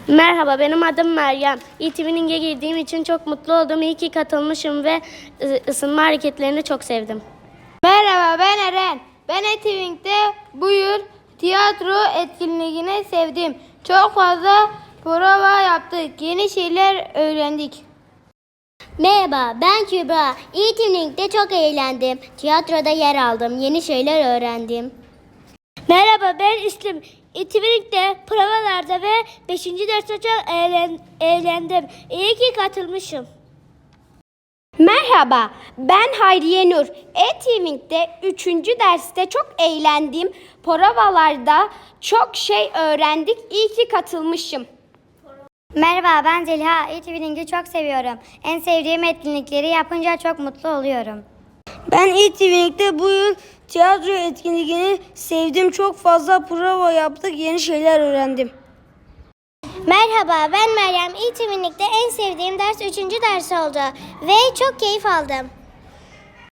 Merhaba, benim adım Meryem. E-Tuning'e girdiğim için çok mutlu oldum. İyi ki katılmışım ve ısınma hareketlerini çok sevdim. Merhaba, ben Eren. Ben E-Tuning'de bu yıl tiyatro etkinliğini sevdim. Çok fazla prova yaptık. Yeni şeyler öğrendik. Merhaba, ben Kübra. E-Tuning'de çok eğlendim. Tiyatroda yer aldım. Yeni şeyler öğrendim. Merhaba, ben İslim. E-Tuning'de provalarda ve 5. derste çok eğlendim. İyi ki katılmışım. Merhaba, ben Hayriye Nur. E-Tuning'de 3. derste çok eğlendim. Provalarda çok şey öğrendik. İyi ki katılmışım. Merhaba, ben Zeliha. E-Tuning'i çok seviyorum. En sevdiğim etkinlikleri yapınca çok mutlu oluyorum. Ben E-Tuning'de bu yıl tiyatro etkinliğini sevdim. Çok fazla prova yaptık. Yeni şeyler öğrendim. Merhaba, ben Meryem. E-Tuning'de en sevdiğim ders 3. ders oldu ve çok keyif aldım.